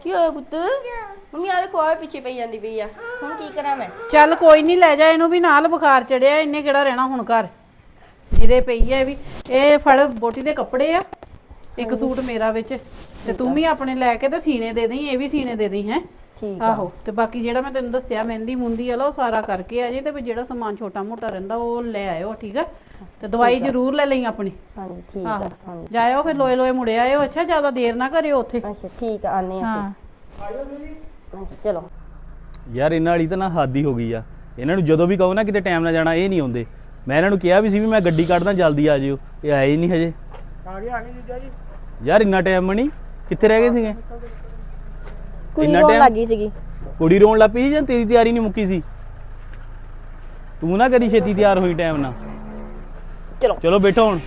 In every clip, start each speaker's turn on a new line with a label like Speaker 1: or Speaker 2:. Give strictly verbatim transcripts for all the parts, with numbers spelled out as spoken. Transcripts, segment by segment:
Speaker 1: ਕੀ ਹੋਇਆ ਪੁੱਤ ਮੰਮੀ ਆਲੇ ਕੋਲ ਪਿੱਛੇ ਪਈ ਜਾਂਦੀ ਪਈ ਆ ਹੁਣ ਕੀ ਕਰਾਂ ਮੈਂ
Speaker 2: ਚੱਲ ਕੋਈ ਨਹੀਂ ਲੈ ਜਾ ਇਹਨੂੰ ਵੀ ਨਾਲ ਬੁਖਾਰ ਚੜਿਆ ਇਹਨੇ ਕਿਹੜਾ ਰਹਿਣਾ ਹੁਣ ਘਰ ਜਿਹਦੇ ਪਈ ਆ ਵੀ ਇਹ ਫੜ ਬੋਟੀ ਦੇ ਕੱਪੜੇ ਆ ਇੱਕ ਸੂਟ ਮੇਰਾ ਵਿੱਚ ਤੇ ਤੂੰ ਵੀ ਆਪਣੇ ਲੈ ਕੇ ਤੇ ਸੀਨੇ ਦੇ ਦੇਈਂ ਇਹ ਵੀ ਸੀਨੇ ਦੇ ਦੇਈਂ ਹੈ
Speaker 1: ਠੀਕ
Speaker 2: ਆਹੋ ਤੇ ਬਾਕੀ ਜਿਹੜਾ ਮੈਂ ਤੈਨੂੰ ਦੱਸਿਆ ਮਹਿੰਦੀ ਮੁੰਦੀ ਵਾਲਾ ਉਹ ਸਾਰਾ ਕਰਕੇ ਆ ਜੇ ਤੇ ਜਿਹੜਾ ਸਮਾਨ ਛੋਟਾ ਮੋਟਾ ਰਹਿੰਦਾ ਉਹ ਲੈ ਆਇਓ ਠੀਕ ਆ ਤੇ ਦਵਾਈ ਜ਼ਰੂਰ ਲੈ ਲਈ ਆਪਣੀ
Speaker 1: ਹਾਂਜੀ ਠੀਕ
Speaker 2: ਆਹੋ
Speaker 1: ਆ ਹਾਂਜੀ
Speaker 2: ਜਾਇਓ ਫਿਰ ਲੋਏ ਲੋਏ ਮੁੜੇ ਆਇਓ ਅੱਛਾ ਜ਼ਿਆਦਾ ਦੇਰ ਨਾ ਕਰਿਓ ਉੱਥੇ
Speaker 1: ਅੱਛਾ ਠੀਕ ਆ ਆਨੇ ਆ
Speaker 2: ਹਾਂ
Speaker 1: ਹਾਂਜੀ ਚਲੋ
Speaker 3: ਯਾਰ ਇਹਨਾਂ ਵਾਲੀ ਤਾਂ ਨਾ ਹੱਦ ਹੀ ਹੋ ਗਈ ਆ ਇਹਨਾਂ ਨੂੰ ਜਦੋਂ ਵੀ ਕਹੋ ਨਾ ਕਿਤੇ ਟਾਈਮ ਨਾਲ ਜਾਣਾ ਇਹ ਨਹੀਂ ਆਉਂਦੇ ਮੈਂ ਇਹਨਾਂ ਨੂੰ ਕਿਹਾ ਵੀ ਸੀ ਵੀ ਮੈਂ ਗੱਡੀ ਕੱਢਦਾ ਜਲਦੀ ਆ ਜਿਓ ਇਹ ਆਏ ਹੀ ਨਹੀਂ ਹਜੇ
Speaker 4: ਆ ਗਏ ਆ ਗਏ ਜੀਜਾ ਜੀ
Speaker 3: ਯਾਰ ਇੰਨਾ ਟਾਈਮ ਨਹੀਂ ਕਿੱਥੇ ਰਹਿ ਗਏ ਸੀਗੇ
Speaker 1: ਕੁੜੀ ਰੋਣ ਲੱਗੀ ਸੀਗੀ
Speaker 3: ਕੁੜੀ ਰੋਣ ਲੱਗ ਪਈ ਸੀ ਜਾਂ ਤੇਰੀ ਤਿਆਰੀ ਨਹੀਂ ਮੁੱਕੀ ਸੀ ਤੂੰ ਨਾ ਕਦੀ ਛੇਤੀ ਤਿਆਰ ਹੋਈ ਟਾਈਮ ਨਾਲ
Speaker 1: ਚਲੋ
Speaker 3: ਚਲੋ ਬੈਠੋ ਹੁਣ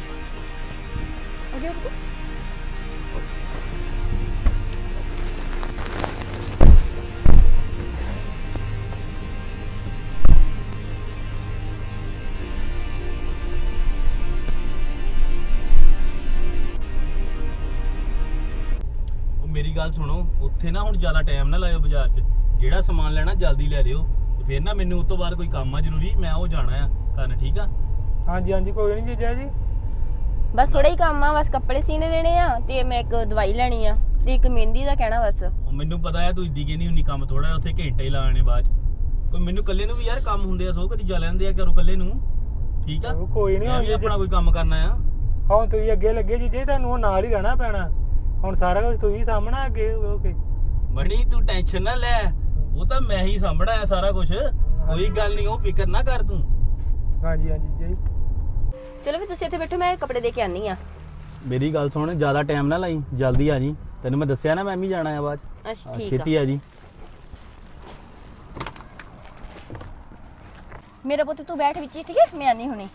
Speaker 3: ਮੇਰੀ ਗੱਲ ਸੁਣੋ ਉੱਥੇ ਨਾ ਹੁਣ ਜ਼ਿਆਦਾ ਟਾਈਮ ਨਾ ਲਾਇਓ ਬਾਜ਼ਾਰ 'ਚ ਜਿਹੜਾ ਸਮਾਨ ਲੈਣਾ ਜਲਦੀ ਲੈ ਲਿਓ ਤੇ ਫਿਰ ਨਾ ਮੈਨੂੰ ਉਸ ਤੋਂ ਬਾਅਦ ਕੋਈ ਕੰਮ ਆ ਜ਼ਰੂਰੀ ਮੈਂ ਉਹ ਜਾਣਾ ਆ ਕਰਨ ਠੀਕ ਆ
Speaker 4: ਹਾਂਜੀ ਹਾਂਜੀ ਕੋਈ ਨਹੀਂ ਜੀਜਾ ਜੀ
Speaker 1: ਬਸ ਥੋੜਾ ਹੀ ਕੰਮ ਆ ਬਸ ਕੱਪੜੇ ਸੀਨੇ ਦੇਣੇ ਆ ਤੇ ਮੈਂ ਇੱਕ ਦਵਾਈ ਲੈਣੀ ਆ ਤੇ ਇੱਕ ਮਹਿੰਦੀ ਦਾ ਕਹਿਣਾ ਬਸ
Speaker 3: ਉਹ ਮੈਨੂੰ ਪਤਾ ਆ ਤੂੰ ਇੱਦੀ ਕਹਿੰਦੀ ਹੁੰਨੀ ਕੰਮ ਥੋੜਾ ਉੱਥੇ ਘੰਟੇ ਲਾਣੇ ਬਾਅਦ 'ਚ ਕੋਈ ਮੈਨੂੰ ਇਕੱਲੇ ਨੂੰ ਵੀ ਯਾਰ ਕੰਮ ਹੁੰਦੇ ਆ ਸੋ ਕਦੀ ਜਾ ਲੈਂਦੇ ਆ ਘਰੋਂ ਇਕੱਲੇ ਨੂੰ ਠੀਕ ਆ
Speaker 4: ਉਹ ਕੋਈ ਨਹੀਂ
Speaker 3: ਮੈਂ ਵੀ ਆਪਣਾ ਕੋਈ ਕੰਮ ਕਰਨਾ ਆ
Speaker 4: ਹੁਣ ਤੁਸੀਂ ਅੱਗੇ ਲੱਗੇ ਜੀਜਾ ਜੀ ਤੁਹਾਨੂੰ ਹੁਣ ਨਾਲ ਹੀ ਰਹਿਣਾ ਪੈਣਾ ਹੁਣ ਸਾਰਾ ਕੁਝ ਤੁਸੀਂ ਸਾਹਮਣਾ ਅੱਗੇ ਓਕੇ
Speaker 3: ਬਣੀ ਤੂੰ ਟੈਨਸ਼ਨ ਨਾ ਲੈ ਉਹ ਤਾਂ ਮੈਂ ਹੀ ਸਾਂਭਣਾ ਆ ਸਾਰਾ ਕੁਝ ਕੋਈ ਗੱਲ ਨਹੀਂ ਉਹ ਫਿਕਰ ਨਾ ਕਰ ਤੂੰ
Speaker 4: ਹਾਂਜੀ ਹਾਂਜੀ ਜੀਜਾ ਜੀ
Speaker 1: ਚਲੋ ਵੀ ਤੁਸੀਂ ਇੱਥੇ ਬੈਠੋ ਮੈਂ ਕੱਪੜੇ ਦੇ ਕੇ ਆਨੀ ਆ
Speaker 3: ਮੇਰੀ ਗੱਲ ਸੁਣ ਜ਼ਿਆਦਾ ਟਾਈਮ ਨਾ ਲਾਈ ਜਲਦੀ ਆ ਜੀ ਤੈਨੂੰ ਮੈਂ ਦੱਸਿਆ ਨਾ ਮੈਂ ਵੀ ਜਾਣਾ ਆ ਬਾਅਦ 'ਚ।
Speaker 1: ਅੱਛਾ
Speaker 3: ਹਾਂ,
Speaker 1: ਠੀਕ
Speaker 3: ਛੇਤੀ
Speaker 1: ਆ
Speaker 3: ਆ ਜੀ
Speaker 1: ਮੇਰਾ ਪੁੱਤ ਤੂੰ ਬੈਠ ਵਿੱਚ ਹੀ ਠੀਕ ਹੈ ਮੈਂ ਆਨੀ ਹੁਣੇ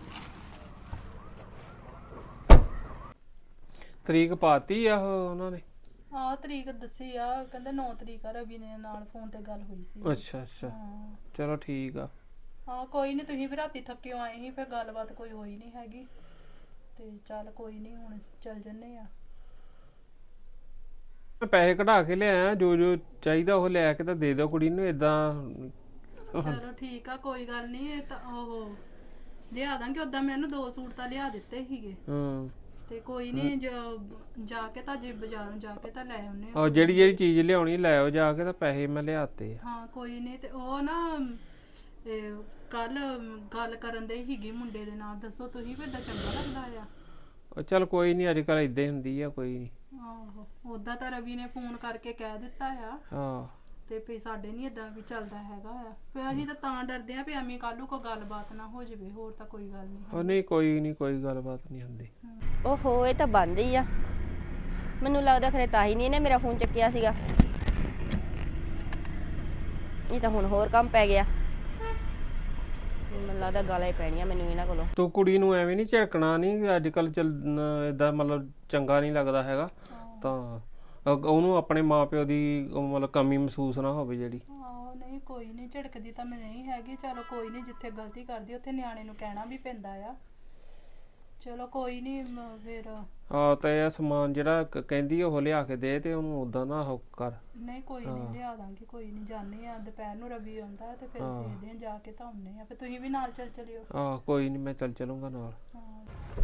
Speaker 5: ਤਰੀਕ ਪਾਤੀ ਆ ਉਹ ਉਹਨਾਂ ਨੇ
Speaker 2: ਹਾਂ ਤਰੀਕ ਦੱਸੀ ਆ ਕਹਿੰਦੇ ਨੌ ਤਰੀਕ ਆ ਰਵੀ ਨੇ ਨਾਲ ਫੋਨ ਤੇ ਗੱਲ ਹੋਈ ਸੀ
Speaker 5: ਅੱਛਾ ਅੱਛਾ
Speaker 2: ਹਾਂ
Speaker 5: ਚਲੋ ਠੀਕ ਆ
Speaker 2: ਹਾਂ ਕੋਈ ਨਹੀਂ ਤੁਸੀਂ ਵੀ ਰਾਤੀ ਥੱਕਿਓ ਆਏ ਸੀ ਫਿਰ ਗੱਲਬਾਤ ਕੋਈ ਹੋਈ ਨਹੀਂ ਹੈਗੀ ਤੇ ਚੱਲ ਕੋਈ ਨਹੀਂ ਹੁਣ ਚੱਲ ਜੰਨੇ ਆ
Speaker 5: ਮੈਂ ਪੈਸੇ ਕਢਾ ਕੇ ਲਿਆਇਆ ਜੋ ਜੋ ਚਾਹੀਦਾ ਉਹ ਲੈ ਕੇ ਤਾਂ ਦੇ ਦਿਓ ਕੁੜੀ ਨੂੰ ਇਦਾਂ
Speaker 2: ਚਲੋ ਠੀਕ ਆ ਕੋਈ ਗੱਲ ਨਹੀਂ ਇਹ ਤਾਂ ਉਹ ਲਿਆ ਦਾਂਗੇ ਉਦਾਂ ਮੈਨੂੰ ਦੋ ਸੂਟ ਤਾਂ ਲਿਆ ਦਿੱਤੇ ਸੀਗੇ
Speaker 5: ਹਾਂ
Speaker 2: ਤੇ ਕੋਈ ਨਹੀਂ ਜਾ ਕੇ ਤਾਂ ਜੇ ਬਾਜ਼ਾਰੋਂ ਜਾ ਕੇ ਤਾਂ ਲੈ ਆਉਨੇ ਆ
Speaker 5: ਉਹ ਜਿਹੜੀ ਜਿਹੜੀ ਚੀਜ਼ ਲਿਆਉਣੀ ਲੈ ਆਓ ਜਾ ਕੇ ਤਾਂ ਪੈਸੇ ਮੈਂ ਲਿਆਤੇ ਆ
Speaker 2: ਹਾਂ ਕੋਈ ਨਹੀਂ ਤੇ ਉਹ ਨਾ ਕੱਲ ਗੱਲ ਕਰਨ ਦੇ ਹੀਗੀ ਮੁੰਡੇ ਦੇ ਨਾਲ ਦੱਸੋ ਤੁਸੀਂ ਵੀ ਏਦਾਂ ਚੰਗਾ ਲੱਗਦਾ ਆ
Speaker 5: ਉਹ ਚੱਲ ਕੋਈ ਨਹੀਂ ਅੱਜ ਕੱਲ ਇਦਾਂ ਹੀ ਹੁੰਦੀ ਆ ਕੋਈ ਨਹੀਂ
Speaker 2: ਆਹੋ ਉਦਾਂ ਤਾਂ ਰਵੀ ਨੇ ਫੋਨ ਕਰਕੇ ਕਹਿ ਦਿੱਤਾ ਆ
Speaker 5: ਹਾਂ
Speaker 2: ਤੇ ਫੇ ਸਾਡੇ ਨਹੀਂ ਇਦਾਂ ਵੀ ਚੱਲਦਾ ਹੈਗਾ ਆ ਫੇ ਅਸੀਂ ਤਾਂ ਤਾਂ ਡਰਦੇ ਆ ਵੀ ਐਵੇਂ ਕੱਲ ਨੂੰ ਕੋਈ ਗੱਲਬਾਤ ਨਾ ਹੋ ਜਾਵੇ ਹੋਰ ਤਾਂ ਕੋਈ ਗੱਲ ਨਹੀਂ
Speaker 5: ਉਹ ਨਹੀਂ ਕੋਈ ਨਹੀਂ ਕੋਈ ਗੱਲਬਾਤ ਨਹੀਂ ਹੁੰਦੀ
Speaker 1: ਓਹੋ ਇਹ ਤਾਂ ਬੰਦ ਹੀ ਆ ਮੈਨੂੰ ਲੱਗਦਾ ਖਰੇ ਤਾਂ ਹੀ ਨਹੀਂ ਇਹਨੇ ਮੇਰਾ ਫੋਨ ਚੱਕਿਆ ਸੀਗਾ ਇਹ ਤਾਂ ਹੁਣ ਹੋਰ ਕੰਮ ਪੈ ਗਿਆ ਮੈਨੂੰ ਲੱਗਦਾ ਗਾਲਾਂ ਹੀ ਪੈਣੀਆਂ ਮੈਨੂੰ ਇਹਨਾਂ ਕੋਲੋਂ
Speaker 5: ਤੂੰ ਕੁੜੀ ਨੂੰ ਐਵੇਂ ਨਹੀਂ ਝਿੜਕਣਾ ਨਹੀਂ ਅੱਜ ਕੱਲ ਚੱਲ ਇਦਾਂ ਮਤਲਬ ਚੰਗਾ ਨਹੀਂ ਲੱਗਦਾ ਹੈਗਾ ਤਾਂ ਅਹ ਉਹਨੂੰ ਆਪਣੇ ਮਾਪਿਓ ਦੀ ਉਹ ਮਤਲਬ ਕਮੀ ਮਹਿਸੂਸ ਨਾ ਹੋਵੇ ਜਿਹੜੀ
Speaker 2: ਆਹੋ ਨਹੀਂ ਕੋਈ ਨਹੀਂ ਝਿੜਕਦੀ ਤਾਂ ਮੈਂ ਨਹੀਂ ਹੈਗੀ ਚਲੋ ਕੋਈ ਨਹੀਂ ਜਿੱਥੇ ਗਲਤੀ ਕਰਦੀ ਉੱਥੇ ਨਿਆਣੇ ਨੂੰ ਕਹਿਣਾ ਵੀ ਪੈਂਦਾ ਆ ਚਲੋ ਕੋਈ ਨਹੀਂ ਫਿਰ
Speaker 5: ਹਾਂ ਤਾਂ ਇਹ ਸਮਾਨ ਜਿਹੜਾ ਕ- ਕਹਿੰਦੀ ਉਹ ਲਿਆ ਕੇ ਦੇ ਤੇ ਉਹਨੂੰ ਉਦਾਂ ਨਾ ਉਹ ਕਰ
Speaker 2: ਨਹੀਂ ਕੋਈ ਨਹੀਂ ਲਿਆ ਦਾਂਗੇ ਕੋਈ ਨਹੀਂ ਜਾਣੇ ਆ ਦੁਪਹਿਰ ਨੂੰ ਰਵੀ ਆਉਂਦਾ ਤੇ ਫਿਰ
Speaker 5: ਹਾਂ।
Speaker 2: ਦੇਖਦੇ ਆ ਜਾ ਕੇ ਤਾਂ ਆਉਂਦੇ ਆ ਫਿਰ ਤੁਸੀਂ ਵੀ ਨਾਲ ਚੱਲ ਚਲਿਓ
Speaker 5: ਆਹ ਕੋਈ ਨਹੀਂ ਮੈਂ ਚੱਲ ਚਲੂੰਗਾ ਨਾਲ
Speaker 2: ਹਾਂ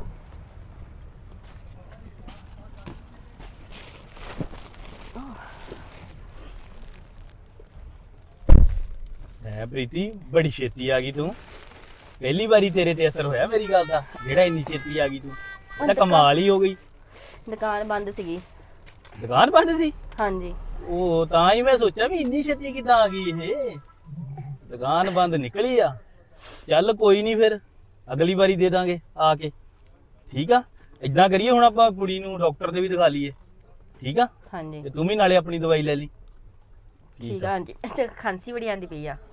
Speaker 3: ਹੈ ਪ੍ਰੀਤੀ ਬੜੀ ਛੇਤੀ ਆ ਗਈ ਤੂੰ ਪਹਿਲੀ ਵਾਰੀ ਤੇਰੇ ਤੇ ਅਸਰ ਹੋਇਆ ਮੇਰੀ ਗੱਲ ਦਾ ਜਿਹੜਾ ਇੰਨੀ ਛੇਤੀ ਆ ਗਈ ਤੂੰ ਇਹ ਤਾਂ ਕਮਾਲ ਹੀ ਹੋ ਗਈ
Speaker 1: ਦੁਕਾਨ ਬੰਦ ਸੀਗੀ
Speaker 3: ਦੁਕਾਨ ਬੰਦ ਸੀ
Speaker 1: ਹਾਂਜੀ
Speaker 3: ਉਹ ਤਾਂ ਹੀ ਮੈਂ ਸੋਚਿਆ ਵੀ ਇੰਨੀ ਛੇਤੀ ਕਿੱਦਾਂ ਆ ਗਈ ਇਹ ਦੁਕਾਨ ਬੰਦ ਨਿਕਲੀ ਆ ਚੱਲ ਕੋਈ ਨਹੀਂ ਫਿਰ ਅਗਲੀ ਵਾਰੀ ਦੇ ਦਾਂਗੇ ਆ ਕੇ ਠੀਕ ਆ ਇਦਾਂ ਕਰੀਏ ਹੁਣ ਆਪਾਂ ਕੁੜੀ ਨੂੰ ਡਾਕਟਰ ਦੇ ਵੀ ਦਿਖਾ ਲਈਏ ਠੀਕ ਆ
Speaker 1: ਹਾਂਜੀ
Speaker 3: ਤੇ ਤੂੰ ਵੀ ਨਾਲੇ ਆਪਣੀ ਦਵਾਈ ਲੈ ਲਈ
Speaker 1: ਠੀਕ ਆ ਹਾਂਜੀ ਤੇ ਖਾਂਸੀ ਬੜੀ ਆਂਦੀ ਪਈ ਆ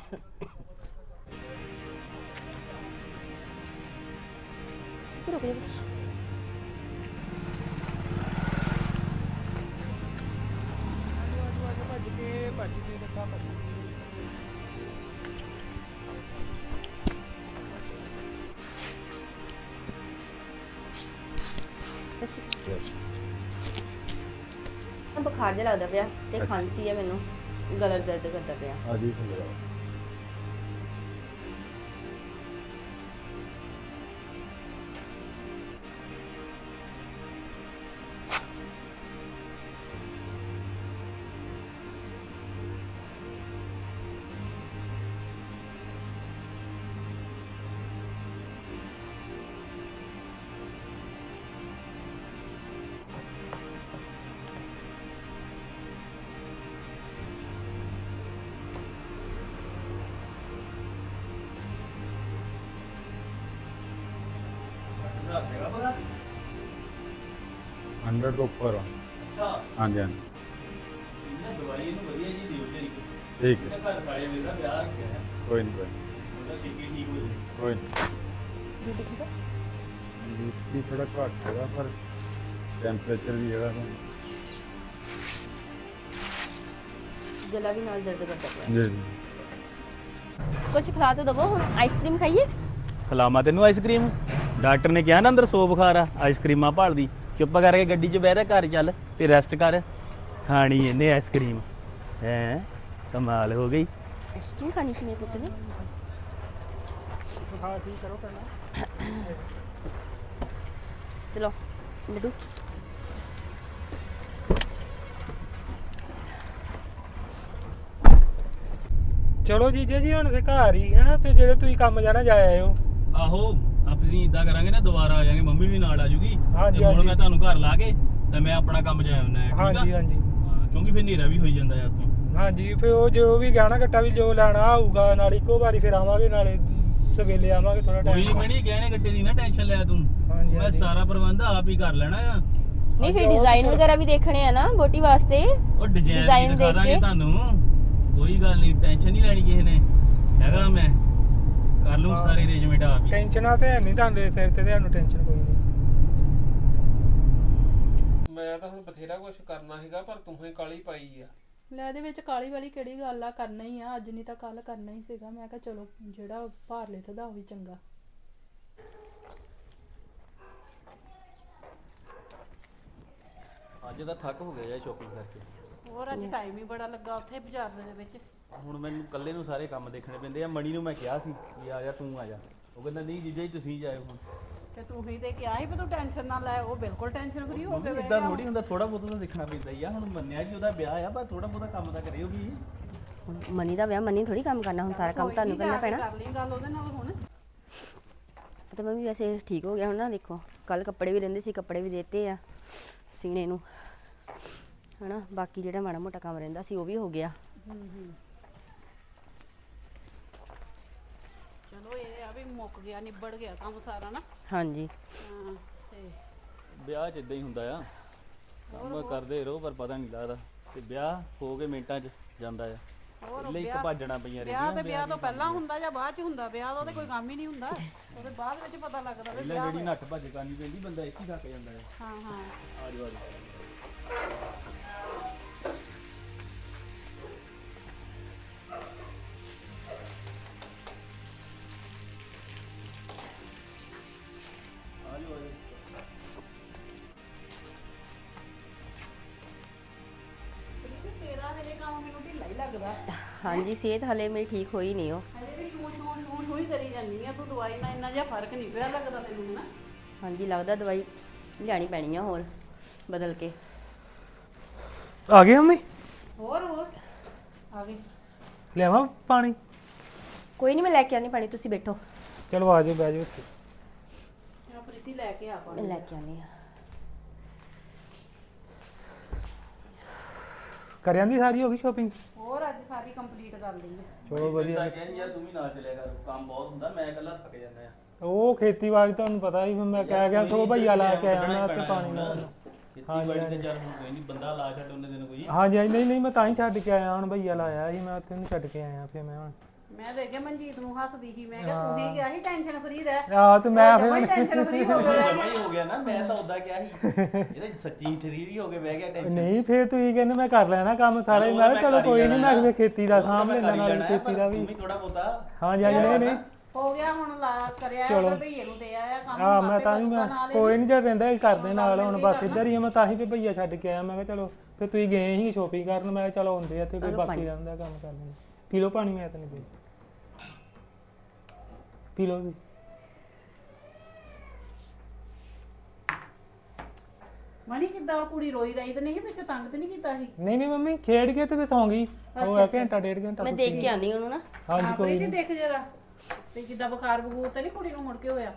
Speaker 1: ਰੁਕ ਜਾ
Speaker 4: ਭੱਜ ਕੇ ਭੱਜ ਕੇ ਲੱਗਾ ਭੱਜ
Speaker 1: ਬੁਖਾਰ ਜਿਹਾ ਲੱਗਦਾ ਪਿਆ ਤੇ ਖਾਂਸੀ ਹੈ ਮੈਨੂੰ, ਗਲਾ ਦਰਦ ਕਰਦਾ ਪਿਆ।
Speaker 6: ਆ ਜੀ ਫਿਰ ਹੰਡਰਡ ਤੋਂ ਉੱਪਰ ਆ।
Speaker 3: ਅੱਛਾ
Speaker 6: ਹਾਂਜੀ ਹਾਂਜੀ
Speaker 3: ਇਹਨਾਂ ਦਵਾਈ ਇਹਨੂੰ ਵਧੀਆ ਜੀ ਦਿਓ ਜੀ।
Speaker 6: ਠੀਕ
Speaker 3: ਇਹਨੇ
Speaker 6: ਹੈ
Speaker 3: ਘਰ ਸਾਰੇ ਮੇਰਾ ਵਿਆਹ ਰੱਖਿਆ ਹੈ,
Speaker 6: ਕੋਈ ਨਹੀਂ ਕੋਈ ਨੀ,
Speaker 3: ਉਹਦਾ ਛੇਤੀ ਠੀਕ ਹੋ ਜਾਏ।
Speaker 6: ਕੋਈ ਨਹੀਂ
Speaker 1: ਬੀਬੀ ਠੀਕ ਹੈ?
Speaker 6: ਬੀਪੀ ਥੋੜਾ ਘੱਟ ਹੈਗਾ ਪਰ ਟੈਂਪਰੇਚਰ ਵੀ ਹੈਗਾ ਨਾ।
Speaker 1: ਗਲਾ ਵੀ ਨਾਲ ਦਰਦ ਕਰਦਾ ਪਿਆ।
Speaker 6: ਜੀ ਜੀ
Speaker 1: ਕੁਝ ਖਿਲਾ ਤਾਂ ਦਵੋ, ਹੁਣ ਆਈਸਕ੍ਰੀਮ ਖਾਈਏ?
Speaker 3: ਖਿਲਾਵਾਂ ਤੈਨੂੰ ਆਈਸਕ੍ਰੀਮ? ਡਾਕਟਰ ਨੇ ਕਿਹਾ ਨਾ ਅੰਦਰ ਸੌ ਬੁਖਾਰ ਆ, ਆਈਸਕ੍ਰੀਮਾਂ ਭਾਲਦੀ। ਚੁੱਪ ਕਰਕੇ ਗੱਡੀ 'ਚ ਬਹਿ ਰਿਹਾ, ਘਰ ਚੱਲ ਤੇ ਰੈਸਟ ਕਰ। ਖਾਣੀ ਇਹਨੇ ਆਈਸਕ੍ਰੀਮ ਹੈ, ਕਮਾਲ ਹੋ ਗਈ।
Speaker 1: ਆਈਸਕ੍ਰੀਮ ਖਾਣੀ ਸੀ ਮੇਰੇ ਪੁੱਤ ਨੇ।
Speaker 4: ਬੁਖਾਰ ਠੀਕ ਕਰੋ ਪਹਿਲਾਂ।
Speaker 1: ਚਲੋ ਲੱਡੂ
Speaker 4: ਚਲੋ ਜੀਜੇ ਜੀ ਹੁਣ ਫੇ ਘਰ ਹੀ ਹੈ ਨਾ, ਫਿਰ ਜਿਹੜੇ ਤੁਸੀਂ ਕੰਮ ਜਾਣਾ ਜਾ ਆਇਓ।
Speaker 3: ਆਹੋ ਆਪਣੀ ਇਦਾਂ ਕਰਾਂਗੇ ਨਾ, ਦੁਬਾਰਾ ਆ ਜਾਾਂਗੇ, ਮੰਮੀ ਵੀ ਨਾਲ ਆ ਜੂਗੀ।
Speaker 4: ਹਾਂਜੀ,
Speaker 3: ਤੇ ਹੁਣ
Speaker 4: ਹਾਂਜੀ।
Speaker 3: ਮੈਂ ਤੁਹਾਨੂੰ ਘਰ ਲਾ ਕੇ ਤੇ ਮੈਂ ਆਪਣਾ ਕੰਮ ਜਾ ਆਉਣਾ ਹੈ, ਠੀਕ ਆ?
Speaker 4: ਹਾਂਜੀ ਹਾਂਜੀ
Speaker 3: ਹਾਂ, ਕਿਉਂਕਿ ਫਿਰ ਹਨੇਰਾ ਵੀ ਹੋਈ ਜਾਂਦਾ ਯਾਰ ਤੋਂ।
Speaker 4: ਹਾਂਜੀ ਫੇ ਉਹ ਜੋ ਵੀ ਗਹਿਣਾ ਘੱਟਾ ਵੀ ਜੋ ਲੈਣਾ ਹੋਊਗਾ ਨਾਲ ਇੱਕੋ ਵਾਰੀ ਫਿਰ ਆਵਾਂਗੇ, ਨਾਲੇ ਸਵੇਲੇ ਆਵਾਂਗੇ ਥੋੜਾ
Speaker 3: ਕੋਈ
Speaker 4: ਟਾਈਮ।
Speaker 3: ਨਹੀਂ ਮੈਣੀ ਗਹਿਣੇ ਗੱਟੇ ਦੀ ਨਾ ਟੈਨਸ਼ਨ ਲੈ ਤੂੰ,
Speaker 4: ਹਾਂਜੀ,
Speaker 3: ਮੈਂ
Speaker 4: ਹਾਂਜੀ।
Speaker 3: ਸਾਰਾ ਪ੍ਰਬੰਧ ਆਪ ਹੀ ਕਰ ਲੈਣਾ ਆ।
Speaker 1: ਨਹੀਂ, ਫਿਰ ਡਿਜ਼ਾਈਨ ਵਗੈਰਾ ਵੀ ਦੇਖਣੇ ਆ ਨਾ ਬੋਟੀ ਵਾਸਤੇ।
Speaker 3: ਉਹ ਡਿਜ਼ਾਈਨ
Speaker 1: Design
Speaker 3: ਵੀ ਦਿਖਾ
Speaker 1: ਦੇਖ
Speaker 3: ਦਾਂਗੇ
Speaker 1: ਕੇ।
Speaker 3: ਤੁਹਾਨੂੰ, ਕੋਈ ਗੱਲ ਨਹੀਂ, ਟੈਨਸ਼ਨ ਨਹੀਂ ਲੈਣੀ ਕਿਸੇ ਨੇ। ਹੈਗਾ ਮੈਂ ਕਰ ਲੂੰ
Speaker 4: ਹਾਂ।
Speaker 3: ਸਾਰੇ ਅਰੇਂਜਮੈਂਟ ਆਪ ਹੀ।
Speaker 4: ਟੈਨਸ਼ਨਾਂ ਤੇ ਹੈ ਨਹੀਂ ਤੁਹਾਡੇ ਸਿਰ ਤੇ, ਤੁਹਾਨੂੰ ਟੈਨਸ਼ਨ ਕੋਈ ਨਹੀਂ।
Speaker 5: ਮੈਂ ਤਾਂ ਹੁਣ ਬਥੇਰਾ ਕੁਝ ਕਰਨਾ ਸੀਗਾ ਪਰ ਤੂੰ ਹੀ ਕਾਲੀ ਪਾਈ ਆ।
Speaker 2: ਲੈ ਇਹਦੇ ਵਿੱਚ ਕਾਲੀ ਵਾਲੀ ਕਿਹੜੀ ਗੱਲ ਆ, ਕਰਨਾ ਹੀ ਆ, ਅੱਜ ਨਹੀਂ ਤਾਂ ਕੱਲ ਕਰਨਾ ਹੀ ਸੀਗਾ। ਮੈਂ ਕਿਹਾ ਚਲੋ ਜਿਹੜਾ ਭਾਰ ਲੈਦਾ ਉਹ ਵੀ ਚੰਗਾ।
Speaker 3: ਅੱਜ ਤਾਂ ਥੱਕ ਹੋ ਗਿਆ ਯਾਰ ਸ਼ੋਪਿੰਗ ਕਰਕੇ।
Speaker 2: ਹੋਰ ਅੱਜ ਟਾਈਮ ਹੀ ਬੜਾ ਲੱਗਾ ਉੱਥੇ ਬਾਜ਼ਾਰ ਦੇ ਵਿੱਚ।
Speaker 3: ਹੁਣ ਮੈਨੂੰ ਇਕੱਲੇ ਨੂੰ ਸਾਰੇ ਕੰਮ ਦੇਖਣੇ ਪੈਂਦੇ ਆ। ਮਣੀ ਨੂੰ ਮੈਂ ਕਿਹਾ ਸੀ ਵੀ ਆ ਜਾ ਤੂੰ ਆ ਜਾ, ਉਹ ਕਹਿੰਦਾ ਨਹੀਂ ਜੀਜਾ ਜੀ ਤੁਸੀਂ ਜਾਇਓ। ਹੁਣ
Speaker 2: ਤੇ ਤੂੰ ਹੀ ਤੇ ਕਿਹਾ ਸੀ ਵੀ ਤੂੰ ਟੈਨਸ਼ਨ ਨਾ ਲੈ, ਉਹ ਬਿਲਕੁਲ ਟੈਨਸ਼ਨ ਫਰੀ ਹੋ ਕੇ ਬਹਿ
Speaker 3: ਇਦਾਂ
Speaker 2: ਗਿਆ।
Speaker 3: ਥੋੜੀ ਹੁੰਦਾ, ਥੋੜਾ ਬਹੁਤ ਤਾਂ ਦੇਖਣਾ ਪੈਂਦਾ ਹੀ ਆ। ਹੁਣ ਮੰਨਿਆ ਕਿ ਉਹਦਾ ਵਿਆਹ ਆ, ਪਰ ਥੋੜਾ ਬਹੁਤਾ ਕੰਮ ਤਾਂ ਕਰਿਓ ਵੀ।
Speaker 1: ਹੁਣ ਮਨੀ ਦਾ ਵਿਆਹ, ਮਨੀ ਥੋੜੀ ਕੰਮ ਕਰਨਾ, ਹੁਣ ਸਾਰਾ ਕੰਮ
Speaker 2: ਕੋਈ
Speaker 1: ਤੁਹਾਨੂੰ
Speaker 2: ਨੀ,
Speaker 1: ਕਰਨਾ
Speaker 2: ਜਾ ਕੇ
Speaker 1: ਪੈਣਾ।
Speaker 2: ਕਰ ਲਈ ਗੱਲ ਉਹਦੇ ਨਾਲ ਹੁਣ।
Speaker 1: ਤੇ ਮੰਮੀ ਵੈਸੇ ਠੀਕ ਹੋ ਗਿਆ ਹੁਣ ਨਾ, ਦੇਖੋ ਕੱਲ ਕੱਪੜੇ ਵੀ ਰਹਿੰਦੇ ਸੀ, ਕੱਪੜੇ ਵੀ ਦੇਤੇ ਆ ਸੀਨੇ ਨੂੰ, ਹਨਾ। ਬਾਕੀ ਜਿਹੜਾ ਮਾੜਾ ਮੋਟਾ ਕੰਮ ਰਹਿੰਦਾ ਸੀ ਉਹ ਵੀ ਹੋ ਗਿਆ।
Speaker 2: ਚਲੋ ਇਹ ਆ ਵੀ ਮੁੱਕ ਗਿਆ, ਨਿਬੜ ਗਿਆ ਕੰਮ ਸਾਰਾ ਨਾ।
Speaker 1: ਹਾਂਜੀ
Speaker 2: ਹਾਂ ਤੇ
Speaker 3: ਵਿਆਹ 'ਚ ਇਦਾਂ ਹੀ ਹੁੰਦਾ ਆ, ਕੰਮ ਕਰਦੇ ਰਹੋ ਪਰ ਪਤਾ ਨਹੀਂ ਲੱਗਦਾ। ਤੇ ਵਿਆਹ ਹੋ ਕੇ ਮਿੰਟਾਂ 'ਚ ਜਾਂਦਾ ਆ। ਪਹਿਲੇ ਇੱਕ ਭੱਜਣਾ ਪਈਆਂ
Speaker 2: ਵਿਆਹ ਤੇ ਵਿਆਹ ਤੋਂ ਪਹਿਲਾਂ ਹੁੰਦਾ ਜਾਂ ਬਾਅਦ ਚ ਹੁੰਦਾ? ਵਿਆਹ ਦਾ ਤੇ ਕੋਈ ਕੰਮ ਹੀ ਨਹੀਂ ਹੁੰਦਾ, ਉਹਦੇ ਬਾਅਦ ਵਿੱਚ ਪਤਾ ਲੱਗਦਾ ਵੀ
Speaker 3: ਪਹਿਲਾਂ
Speaker 2: ਵਿਆਹ
Speaker 3: ਜਿਹੜੀ ਨੱਠ ਭੱਜ ਕਰਨੀ ਪੈਂਦੀ, ਬੰਦਾ ਇੱਕ ਹੀ ਥੱਕ ਜਾਂਦਾ ਆ।
Speaker 2: ਹਾਂ ਹਾਂ।
Speaker 3: ਆ ਜਾਓ ਆ ਜਾਓ। ਆ ਜਾਓ ਆ ਜਾਓ।
Speaker 2: ਤੇਰਾ ਹਲੇ ਕੰਮ ਮੈਨੂੰ ਢਿੱਲਾ ਹੀ ਲੱਗਦਾ।
Speaker 1: ਹਾਂਜੀ, ਸਿਹਤ ਹਲੇ ਮੇਰੀ ਠੀਕ ਹੋਈ ਨਹੀਂ। ਉਹ
Speaker 2: ਹਲੇ ਵੀ ਸ਼ੂ ਸ਼ੂ ਸ਼ੂ ਸ਼ੂ ਹੀ ਕਰੀ ਜਾਂਦੀ ਆ ਤੂੰ। ਦਵਾਈ ਨਾਲ ਇੰਨਾ ਜਿਹਾ ਫਰਕ ਨਹੀਂ ਪਿਆ ਲੱਗਦਾ ਤੈਨੂੰ ਨਾ।
Speaker 1: ਹਾਂਜੀ, ਲੱਗਦਾ ਦਵਾਈ ਲਿਆਣੀ ਪੈਣੀ ਆ ਹੋਰ ਬਦਲ ਕੇ।
Speaker 4: ਆ ਗਏ ਮੰਮੀ?
Speaker 2: ਹੋਰ ਹੋਰ ਆ ਗਈ।
Speaker 4: ਲਿਆਵਾਂ ਪਾਣੀ?
Speaker 1: ਕੋਈ ਨਹੀਂ, ਮੈਂ ਲੈ ਕੇ ਆਉਂਦੀ ਪਾਣੀ, ਤੁਸੀਂ ਬੈਠੋ।
Speaker 4: ਚਲੋ ਆ ਜਾਓ, ਬਹਿ ਜਾਓ ਇੱਥੇ।
Speaker 2: ਆ ਪ੍ਰੀਤੀ ਲੈ ਕੇ ਆ
Speaker 1: ਮੈਂ
Speaker 2: ਪਾਣੀ।
Speaker 1: ਲੈ ਕੇ ਆਉਂਦੀ ਆ।
Speaker 4: ਕਰ ਜਾਂਦੀ ਸਾਰੀ ਹੋ ਗਈ ਸ਼ੋਪਿੰਗ?
Speaker 2: ਹੋਰ ਅੱਜ ਸਾਰੀ ਕੰਪਲੀਟ ਕਰ ਲਈ ਹੈ।
Speaker 4: ਚਲੋ ਵਧੀਆ।
Speaker 3: ਕਹਿੰਦੀ ਯਾਰ ਤੂੰ ਵੀ ਨਾਲ ਚੱਲਿਆ ਕਰ, ਕੰਮ ਬਹੁਤ ਹੁੰਦਾ, ਮੈਂ ਇਕੱਲਾ ਥੱਕ ਜਾਂਦਾ ਆ।
Speaker 4: ਉਹ ਖੇਤੀਬਾੜੀ ਤੁਹਾਨੂੰ ਪਤਾ ਹੀ, ਮੈਂ ਕਹਿ ਗਿਆ ਸੋ ਭਈਆ ਲਾ ਕੇ ਆਇਆ ਮੈਂ ਉੱਥੇ ਪਾਣੀ ਨਾਲ।
Speaker 3: ਖੇਤੀਬਾੜੀ ਤੇ ਚੱਲ ਹੁਣ ਕੋਈ ਨਹੀਂ, ਬੰਦਾ ਲਾ ਛੱਡ ਉਹਨੇ ਦਿਨ ਕੋਈ।
Speaker 4: ਹਾਂਜੀ ਹਾਂਜੀ, ਨਹੀਂ ਨਹੀਂ ਮੈਂ ਤਾਂ ਹੀ ਛੱਡ ਕੇ ਆਇਆ, ਹੁਣ ਭਈਆ ਲਾਇਆ ਸੀ ਮੈਂ ਉੱਥੇ, ਉਹਨੂੰ ਛੱਡ ਕੇ ਆਇਆ ਫਿਰ ਮੈਂ ਹੁਣ।
Speaker 2: ਮੈਂ ਦੇਖਿਆ ਮਨਜੀਤ ਨੂੰ ਹੱਸਦੀ ਸੀ, ਮੈਂ ਕਿਹਾ ਤੂੰ ਹੀ ਗਿਆ ਸੀ ਟੈਨਸ਼ਨ ਫਰੀ ਰਹਿ।
Speaker 4: ਆਹ ਤੇ ਮੈਂ
Speaker 2: ਫਿਰ ਟੈਨਸ਼ਨ ਫਰੀ ਹੋ ਗਿਆ।
Speaker 3: ਜਮਾ ਹੀ ਹੋ ਗਿਆ ਨਾ, ਮੈਂ ਤਾਂ ਉਦਾਂ ਕਿਹਾ ਸੀ ਇਹਦਾ ਸੱਚੀ ਠਰੀਰੀ ਹੋ ਕੇ ਬਹਿ ਗਿਆ ਟੈਨਸ਼ਨ।
Speaker 4: ਨਹੀਂ ਫਿਰ ਤੁਸੀਂ ਕਹਿੰਦੇ ਮੈਂ ਕਰ ਲੈਣਾ ਕੰਮ ਸਾਰਾ ਹੀ। ਮੈਂ ਕਿਹਾ ਚਲੋ ਕੋਈ ਨਹੀਂ, ਮੈਂ ਕਿਹਾ ਖੇਤੀ ਦਾ ਸਾਂਭ ਲੈਣਾ ਨਾਲ ਖੇਤੀ ਦਾ ਵੀ।
Speaker 3: ਥੋੜਾ ਬਹੁਤਾ
Speaker 4: ਹਾਂਜੀ ਹਾਂਜੀ, ਨਹੀਂ ਨਹੀਂ
Speaker 2: ਹੋ ਗਿਆ ਹੁਣ, ਲਾ ਕਰਿਆ ਉਹ ਭਈਏ ਨੂੰ ਦੇ ਆਇਆ ਕੰਮ।
Speaker 4: ਹਾਂ ਮੈਂ ਤਾਂ ਹੀ ਮੈਂ ਕੋਈ ਨਹੀਂ ਜਦ ਰਹਿੰਦਾ ਹੀ ਕਰਦੇ ਨਾਲ। ਹੁਣ ਬਸ ਇੱਧਰ ਹੀ ਆ, ਮੈਂ ਤਾਂ ਹੀ ਤੇ ਭਈਆ ਛੱਡ ਕੇ ਆਇਆ। ਮੈਂ ਕਿਹਾ ਚਲੋ ਫਿਰ ਤੁਸੀਂ ਗਏ ਸੀ ਸ਼ੋਪਿੰਗ ਕਰਨ, ਮੈਂ ਕਿਹਾ ਚਲੋ ਹੁੰਦੇ ਆ ਤੇ ਕੋਈ
Speaker 1: ਚਲੋ
Speaker 4: ਬਾਕੀ
Speaker 1: ਪਾਣੀ।
Speaker 4: ਰਹਿੰਦਾ ਕੰਮ ਕਰ ਲੈਂਦੇ। ਪੀ ਲਓ ਪਾਣੀ, ਮੈਂ ਤਾਂ ਨਹੀਂ ਪੀ ਪੀ ਲਓ ਜੀ।
Speaker 2: ਮਣੀ ਕਿੱਦਾਂ ਉਹ ਕੁੜੀ ਰੋਈ ਰਹੀ ਤੇ ਨਹੀਂ ਵਿੱਚ ਤੰਗ ਤੇ ਨਹੀਂ ਕੀਤਾ ਸੀ?
Speaker 4: ਨਹੀਂ ਨਹੀਂ ਮੰਮੀ ਖੇਡ ਕੇ ਤੇ ਫਿਰ ਸੌਂ ਗਈ, ਉਹ ਆ ਘੰਟਾ ਡੇਢ ਘੰਟਾ
Speaker 1: ਮੈਂ ਦੇਖ ਕੇ ਆਂਦੀ ਉਹਨੂੰ ਨਾ।
Speaker 4: ਹਾਂਜੀ
Speaker 2: ਹਾਂ
Speaker 4: ਕੋਈ
Speaker 2: ਪ੍ਰੀਤੀ
Speaker 4: ਨਹੀਂ।
Speaker 2: ਦੇਖ ਜਰਾ ਤੇ ਕਿੱਦਾਂ ਬੁਖਾਰ ਬਗੂਰ ਤੇ ਨਹੀਂ ਕੁੜੀ ਨੂੰ ਮੁੜ ਕੇ ਹੋਇਆ?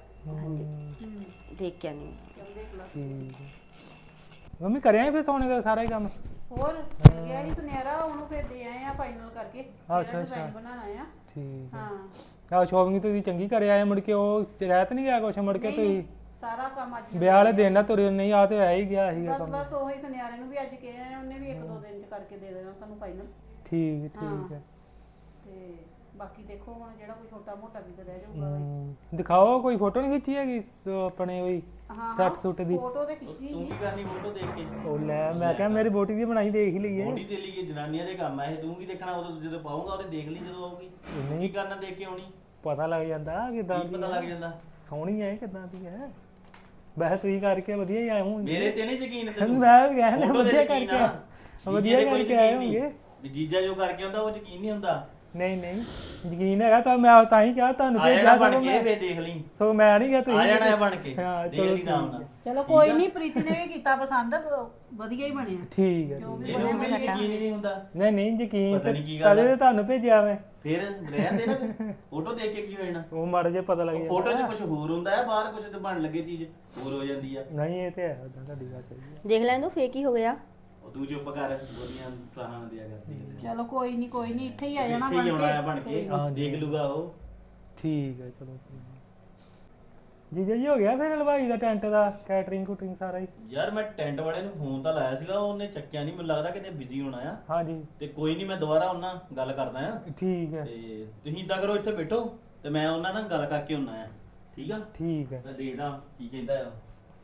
Speaker 1: ਦੇਖ ਕੇ ਆਂਦੀ
Speaker 4: ਠੀਕ ਹੈ। ਮੰਮੀ ਕਰਿਆ ਫਿਰ ਸੌਣੇ ਦਾ ਸਾਰਾ ਹੀ ਕੰਮ?
Speaker 2: ਹੋਰ ਮਿਲ ਗਿਆ ਸੀ ਸੁਨਿਆਰਾ, ਉਹਨੂੰ ਫਿਰ ਦੇ ਆਏ ਆ ਫਾਈਨਲ ਕਰਕੇ
Speaker 4: ਅੱਛਾ,
Speaker 2: ਜਿਹੜਾ
Speaker 4: ਅੱਛਾ।
Speaker 2: ਡਿਜ਼ਾਈਨ ਬਣਾਉਣਾ ਆ।
Speaker 4: ਠੀਕ ਹੈ।
Speaker 2: ਹਾਂ
Speaker 4: ਆਹ ਸ਼ੋਪਿੰਗ ਤੁਸੀਂ ਚੰਗੀ ਕਰਿਆ ਆਏ, ਮੁੜ ਕੇ ਉਹ ਰਹਿਤ ਨਹੀਂ ਗਿਆ ਕੁਛ, ਮੁੜ ਕੇ
Speaker 2: ਨਹੀਂ,
Speaker 4: ਤੁਸੀਂ
Speaker 2: ਨਹੀਂ, ਸਾਰਾ ਕੰਮ ਅੱਜ
Speaker 4: ਵਿਆਹ ਵਾਲੇ ਦਿਨ ਨਾ ਤੁਰੇ ਨਹੀਂ, ਆ ਤੇ ਰਹਿ ਹੀ ਗਿਆ ਸੀਗਾ
Speaker 2: ਬਸ
Speaker 4: ਕੰਮ।
Speaker 2: ਬਸ ਉਹੀ ਸੁਨਿਆਰੇ ਨੂੰ ਵੀ ਅੱਜ ਕਿਹਾ ਆ, ਉਹਨੇ ਵੀ ਇੱਕ ਦੋ ਦਿਨ ਚ ਕਰਕੇ ਦੇ ਦੇਣਾ ਸਾਨੂੰ ਫਾਈਨਲ।
Speaker 4: ਠੀਕ ਹੈ, ਠੀਕ ਹੈ।
Speaker 2: ਤੇ ਬਾਕੀ ਦੇਖੋ ਹੁਣ ਜਿਹੜਾ ਕੋਈ ਛੋਟਾ ਮੋਟਾ ਵੀ ਤੇ ਰਹਿ ਜਾਊਗਾ।
Speaker 4: ਹਮ, ਦਿਖਾਓ ਕੋਈ ਫੋਟੋ ਨਹੀਂ ਖਿੱਚੀ ਹੈਗੀ ਉਹ ਆਪਣੇ ਉਹੀ
Speaker 2: ਹਾਂ
Speaker 4: ਸੈੱਟ ਸੁੱਟ ਦੀ?
Speaker 2: ਫੋਟੋ ਤੇ ਖਿੱਚੀ
Speaker 3: ਤੂੰ
Speaker 2: ਸੀ।
Speaker 3: ਕੀ ਕਰਨੀ ਫੋਟੋ ਦੇਖ ਕੇ?
Speaker 4: ਉਹ ਲੈ ਮੈਂ ਕਿਹਾ ਮੇਰੀ ਬੋਟੀ ਦੀ ਬਣਾਈ ਦੇਖ ਹੀ ਲਈਏ।
Speaker 3: ਬੋਡੀ ਦੇ ਲਈ ਜਨਾਨੀਆਂ ਦੇ ਕੰਮ ਆ ਇਹ, ਤੂੰ ਕੀ ਦੇਖਣਾ? ਉਦੋਂ ਜਦੋਂ ਪਾਉਂਗਾ ਉਹਦੇ ਦੇਖ ਲਈ ਜਦੋਂ ਆਊਗੀ। ਤੂੰ ਕੀ ਕਰਨਾ ਦੇਖ ਕੇ ਆਉਣੀ?
Speaker 4: ਪਤਾ ਲੱਗ ਜਾਂਦਾ ਕਿਦਾਂ
Speaker 3: ਕੀ ਪਤਾ ਲੱਗ ਜਾਂਦਾ?
Speaker 4: ਸੋਹਣੀ ਹੈ ਕਿਦਾਂ ਦੀ ਹੈ। ਵੈਸੇ ਤੁਸੀਂ ਕਰਕੇ ਵਧੀਆ ਹੀ ਆਏ ਹੋਣਗੇ।
Speaker 3: ਮੇਰੇ ਤੇ ਨਹੀਂ ਯਕੀਨ ਤੈਨੂੰ?
Speaker 4: ਮੈਂ ਵੀ ਕਹਿ ਰਿਹਾ
Speaker 3: ਫੋਟੋ ਤੇ
Speaker 4: ਵਧੀਆ
Speaker 3: ਯਕੀਨ
Speaker 4: ਕਰਕੇ
Speaker 3: ਆ।
Speaker 4: ਆ। ਵਧੀਆ
Speaker 3: ਜੀਜੇ ਤੇ ਕੋਈ
Speaker 4: ਕਰਕੇ ਆਏ
Speaker 3: ਯਕੀਨ ਨਹੀਂ।
Speaker 4: ਹੋਣਗੇ।
Speaker 3: ਵੀ ਜੀਜਾ ਜੋ ਕਰਕੇ ਆਉਂਦਾ ਉਹ ਯਕੀਨ ਨਹੀਂ ਹੁੰਦਾ।
Speaker 4: ਨਹੀਂ ਨਹੀਂ ਯਕੀਨ ਹੈਗਾ ਤਾਂ ਮੈਂ ਤਾਂ ਹੀ ਕਿਹਾ ਤੁਹਾਨੂੰ
Speaker 3: ਆ ਜਾਣਾ
Speaker 4: ਭੇਜਿਆ
Speaker 3: ਬਣ
Speaker 4: ਸਗੋਂ
Speaker 3: ਕੇ
Speaker 4: ਮੈਂ।
Speaker 3: ਵੇ ਦੇਖ ਲਈ।
Speaker 4: ਸੋ ਮੈਂ ਨਹੀਂ ਗਿਆ,
Speaker 3: ਆ
Speaker 4: ਤੁਸੀਂ
Speaker 3: ਜਾਣਾ ਹੈ ਬਣ ਕੇ,
Speaker 4: ਹਾਂ,
Speaker 3: ਦੇਖ
Speaker 4: ਚਲੋ
Speaker 3: ਲਈ ਨਾਮ ਨਾਲ।
Speaker 2: ਚਲੋ ਕੋਈ ਨਹੀਂ, ਪ੍ਰੀਤੀ ਨੇ ਵੀ ਕੀਤਾ ਪਸੰਦ, ਵਧੀਆ ਹੀ ਬਣਿਆ।
Speaker 4: ਠੀਕ ਹੈ।
Speaker 2: ਜੋ ਵੀ
Speaker 3: ਇਹਨੂੰ
Speaker 2: ਬਣਿਆ
Speaker 3: ਮੈਨੂੰ ਯਕੀਨ ਹੀ ਨਹੀਂ ਹੁੰਦਾ।
Speaker 4: ਨਹੀਂ ਨਹੀਂ ਯਕੀਨ
Speaker 3: ਪਤਾ ਨੀ ਕੀ ਗੱਲ
Speaker 4: ਤਦੇ
Speaker 3: ਆ।
Speaker 4: ਤੁਹਾਨੂੰ ਭੇਜਿਆ ਮੈਂ।
Speaker 3: ਫਿਰ ਰਹਿਣ ਦੇ ਨਾ, ਫੋਟੋ ਦੇਖ ਕੇ ਕੀ ਹੋ ਜਾਣਾ?
Speaker 4: ਉਹ ਮਾੜਾ ਜਿਹਾ ਪਤਾ ਲੱਗ ਜਾਂਦਾ।
Speaker 3: ਫੋਟੋ 'ਚ ਕੁਝ ਹੋਰ ਹੁੰਦਾ ਹੈ, ਬਾਹਰ ਕੁਝ ਤੇ ਬਣ ਲੱਗੇ ਚੀਜ਼ ਹੋਰ ਹੋ ਜਾਂਦੀ ਆ।
Speaker 4: ਨਹੀਂ ਇਹ ਤੇ ਹੈ, ਉਦਾਂ ਤੁਹਾਡੀ ਗੱਲ ਸਹੀ ਹੈ।
Speaker 1: ਦੇਖ ਲੈਣ ਦੋ ਫੇਕ ਹੀ ਹੋ ਗਿਆ।
Speaker 3: ਉਹ ਤੂੰ ਚੁੱਪ ਕਰ, ਬੋਲੀਆਂ ਸਲਾਹਾਂ ਨਾ ਦਿਆ ਕਰਦੀ ਹੈ।
Speaker 2: ਚਲੋ ਕੋਈ ਨਹੀਂ ਕੋਈ ਨਹੀਂ, ਇੱਥੇ ਹੀ ਆ ਜਾਣਾ
Speaker 3: ਇੱਥੇ ਹੀ
Speaker 2: ਬਣ
Speaker 3: ਆਉਣਾ ਹੈ
Speaker 2: ਕੇ।
Speaker 3: ਬਣ ਕੇ,
Speaker 4: ਹਾਂ,
Speaker 3: ਦੇਖ ਲੂਗਾ ਉਹ।
Speaker 4: ਠੀਕ ਹੈ ਚਲੋ। ਜੀਜਾ ਜੀ ਹੋ ਗਿਆ ਫਿਰ ਹਲਵਾਈ ਦਾ ਟੈਂਟ ਦਾ ਕੈਟਰਿੰਗ ਕੁਟਰਿੰਗ ਸਾਰਾ ਹੀ?
Speaker 3: ਯਾਰ ਮੈਂ ਟੈਂਟ ਵਾਲੇ ਨੂੰ ਫੋਨ ਤਾਂ ਲਾਇਆ ਸੀਗਾ, ਉਹਨੇ ਚੱਕਿਆ ਨਹੀਂ, ਮੈਨੂੰ ਲੱਗਦਾ ਕਿਤੇ ਬਿਜ਼ੀ ਹੋਣਾ ਆ।
Speaker 4: ਹਾਂਜੀ
Speaker 3: ਤੇ ਕੋਈ ਨਹੀਂ, ਮੈਂ ਦੁਬਾਰਾ ਉਹਨਾਂ ਨਾਲ ਗੱਲ ਕਰਦਾ ਆ।
Speaker 4: ਠੀਕ ਹੈ।
Speaker 3: ਤੇ ਤੁਸੀਂ ਇਦਾਂ ਕਰੋ, ਇੱਥੇ ਬੈਠੋ ਤੇ ਮੈਂ ਉਹਨਾਂ ਨਾਲ ਗੱਲ ਕਰਕੇ ਆਉਣਾ ਆ। ਠੀਕ ਆ?
Speaker 4: ਠੀਕ ਹੈ।
Speaker 3: ਮੈਂ ਦੇਖਦਾ ਕੀ ਕਹਿੰਦਾ ਆ।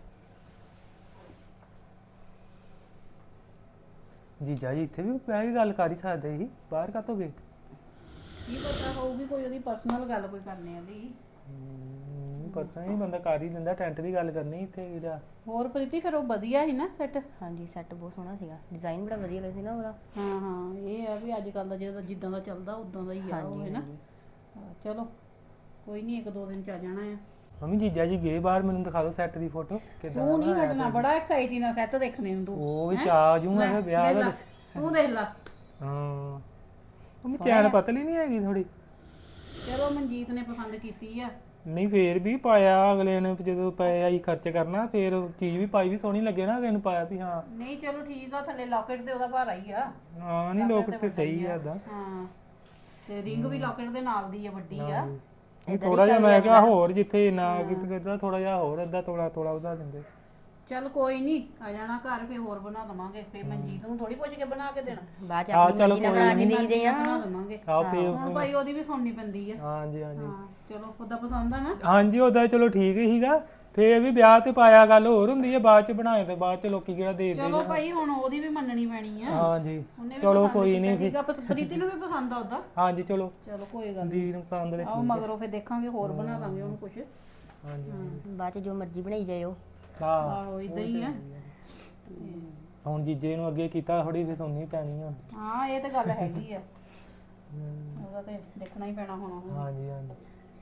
Speaker 4: ਜੀਜਾ ਜੀ ਇੱਥੇ ਵੀ ਬਹਿ ਕੇ ਗੱਲ ਕਰ ਹੀ ਸਕਦੇ ਸੀ, ਬਾਹਰ ਕਾਤੋਂ ਗਏ?
Speaker 2: ਕੀ ਪਤਾ ਹੋਊਗੀ ਕੋਈ ਉਹਦੀ ਪਰਸਨਲ ਗੱਲ ਕੋਈ ਕਰਨੀ ਆਦੀ।
Speaker 4: ਪਤਾ ਨਹੀਂ, ਬੰਦਾ ਕਰ ਹੀ ਦਿੰਦਾ, ਟੈਂਟ ਦੀ ਗੱਲ ਕਰਨੀ ਇੱਥੇ ਇਹਦਾ।
Speaker 2: ਹੋਰ ਪ੍ਰੀਤੀ ਫਿਰ ਉਹ ਵਧੀਆ ਸੀ ਨਾ ਸੈੱਟ?
Speaker 1: ਹਾਂਜੀ ਸੈੱਟ ਬਹੁਤ ਸੋਹਣਾ ਸੀਗਾ, ਡਿਜ਼ਾਈਨ ਬੜਾ ਵਧੀਆ ਲੱਗਿਆ ਸੀ ਨਾ ਉਹਦਾ।
Speaker 2: ਹਾਂ ਹਾਂ, ਇਹ ਆ ਵੀ ਅੱਜ ਕੱਲ ਦਾ ਜਿਹੜਾ ਜਿੱਦਾਂ ਦਾ ਚੱਲਦਾ ਉਦਾਂ ਦਾ ਹੀ ਆ ਉਹ, ਹੈ ਨਾ? ਹਾਂ, ਚਲੋ ਕੋਈ ਨਹੀਂ, ਇੱਕ ਦੋ ਦਿਨ ਚ ਆ ਜਾਣਾ ਆ।
Speaker 4: ਮੰਮੀ ਜੀਜਾ ਜੀ ਗਏ ਬਾਹਰ, ਮੈਨੂੰ ਦਿਖਾ ਦਿਓ ਸੈੱਟ ਦੀ ਫੋਟੋ ਕਿਦਾਂ।
Speaker 2: ਤੂੰ ਨਹੀਂ ਹਟਣਾ, ਬੜਾ ਐਕਸਾਈਟਿੰਗ ਨਾਲ ਸੈੱਟ ਦੇਖਣੇ ਨੂੰ ਤੂੰ।
Speaker 4: ਉਹ ਵੀ ਚਾ ਜੂਗਾ ਫਿਰ ਵਿਆਹ ਦਾ।
Speaker 2: ਤੂੰ ਦੇਖ ਲੈ।
Speaker 4: ਹਾਂ ਮੰਮੀ ਚੈਨ ਪਤਲੀ ਨਹੀਂ ਹੈਗੀ ਥੋੜੀ?
Speaker 2: ਚਲੋ ਮਨਜੀਤ ਨੇ ਪਸੰਦ ਕੀਤੀ ਆ।
Speaker 4: ਨਹੀਂ ਫੇਰ ਵੀ ਪਾਇਆ ਅਗਲੇ ਨੇ, ਜਦੋਂ ਪਏ ਆਈ ਖਰਚ ਕਰਨਾ ਫੇਰ ਚੀਜ਼ ਵੀ ਪਾਈ ਵੀ ਸੋਹਣੀ ਲੱਗੇ ਨਾ ਅਗਲੇ ਨੂੰ ਪਾਇਆ ਵੀ ਹਾਂ।
Speaker 2: ਨਹੀਂ ਚਲੋ ਠੀਕ ਆ, ਥੱਲੇ ਲੋਕਟ ਤੇ ਉਹਦਾ ਭਾਰਾ ਹੀ ਆ।
Speaker 4: ਹਾਂ ਨਹੀਂ ਲੋਕਟ ਤੇ ਸਹੀ ਆ ਏਦਾਂ।
Speaker 2: ਹਾਂ ਤੇ ਰਿੰਗ ਵੀ ਲੋਕਟ ਦੇ ਨਾਲ ਦੀ ਆ, ਵੱਡੀ ਆ।
Speaker 4: ਥੋੜਾ ਜਿਹਾ ਮੈਂ ਕਿਹਾ ਹੋਰ ਜਿੱਥੇ ਨਾ ਕਿਤੇ ਕਿਤੇ ਥੋੜਾ ਜਿਹਾ ਹੋਰ ਅੱਧਾ ਤੋਲਾ ਤੋਲਾ ਉਹਦਾ ਦਿੰਦੇ।
Speaker 2: ਚੱਲ ਕੋਈ ਨਹੀਂ, ਆ ਜਾਣਾ ਘਰ, ਫੇਰ ਹੋਰ ਬਣਾ ਦਵਾਂਗੇ। ਫੇਰ ਮਨਜੀਤ ਨੂੰ ਥੋੜੀ ਪੁੱਛ ਕੇ ਬਣਾ ਕੇ ਦੇਣਾ,
Speaker 1: ਬਾਅਦ ਚ
Speaker 4: ਹਾਂ,
Speaker 1: ਆਪਣੀ
Speaker 4: ਚਲੋ
Speaker 1: ਮਰਜ਼ੀ ਨਾਲ ਬਣਾ ਕੇ ਦੇਈਦੇ ਆ।
Speaker 2: ਬਣਾ ਦਵਾਂਗੇ।
Speaker 4: ਆਹ ਫੇਰ
Speaker 2: ਹੁਣ ਭਾਈ ਉਹਦੀ ਵੀ ਸੁਣਨੀ ਪੈਂਦੀ ਆ।
Speaker 4: ਹਾਂਜੀ ਹਾਂਜੀ
Speaker 2: ਹਾਂ ਚਲੋ, ਉਹਦਾ ਪਸੰਦ ਆ ਨਾ?
Speaker 4: ਹਾਂਜੀ ਉਹਦਾ ਚਲੋ ਠੀਕ ਹੀਗਾ। ਫੇਰ ਵੀ ਵਿਆਹ ਤੇ ਪਾਇਆ ਗੱਲ ਹੋਰ ਹੁੰਦੀ ਹੈ, ਬਾਅਦ ਚ ਬਣਾਏ ਤੇ ਬਾਅਦ ਚ ਲੋਕੀ ਕਿਹੜਾ ਦੇ ਦੇ।
Speaker 2: ਚਲੋ ਭਾਈ ਹੁਣ ਉਹਦੀ ਵੀ ਮੰਨਣੀ ਪੈਣੀ ਆ।
Speaker 4: ਹਾਂਜੀ
Speaker 2: ਉਹਨੇ ਵੀ
Speaker 4: ਚਲੋ
Speaker 2: ਪਸੰਦ
Speaker 4: ਕੋਈ
Speaker 2: ਕੀਤਾ
Speaker 4: ਨਹੀਂ ਫਿਰ।
Speaker 2: ਸੀਗਾ, ਪ- ਪ੍ਰੀਤੀ ਨੂੰ ਵੀ ਪਸੰਦ ਆ ਉਹਦਾ।
Speaker 4: ਹਾਂਜੀ ਚਲੋ
Speaker 2: ਚਲੋ ਕੋਈ ਗੱਲ ਨੀ।
Speaker 4: ਦੀ ਨੂੰ ਪਸੰਦ ਦੇ।
Speaker 2: ਆਓ ਮਗਰੋਂ ਫੇਰ ਦੇਖਾਂਗੇ, ਹੋਰ ਬਣਾ ਦਾਂਗੇ ਉਹਨੂੰ ਕੁਛ।
Speaker 4: ਹਾਂਜੀ
Speaker 1: ਬਾਅਦ ਚ ਜੋ ਮਰਜ਼ੀ ਬਣਾਈ ਜਾਇਓ।
Speaker 4: ਹਾਂ
Speaker 2: ਆਹੋ ਇਦਾਂ ਹੀ ਆ।
Speaker 4: ਹੁਣ ਜੀਜੇ ਨੂੰ ਅੱਗੇ ਕੀਤਾ ਥੋੜੀ ਫੇਰ ਸੁਣਨੀ ਪੈਣੀ ਆ।
Speaker 2: ਹਾਂ ਇਹ ਤਾਂ ਗੱਲ ਹੈਗੀ ਆ, ਉਹਦਾ ਤੇ ਦੇਖਣਾ ਹੀ ਪੈਣਾ ਹੁਣ। ਉਹ
Speaker 4: ਹਾਂਜੀ ਹਾਂਜੀ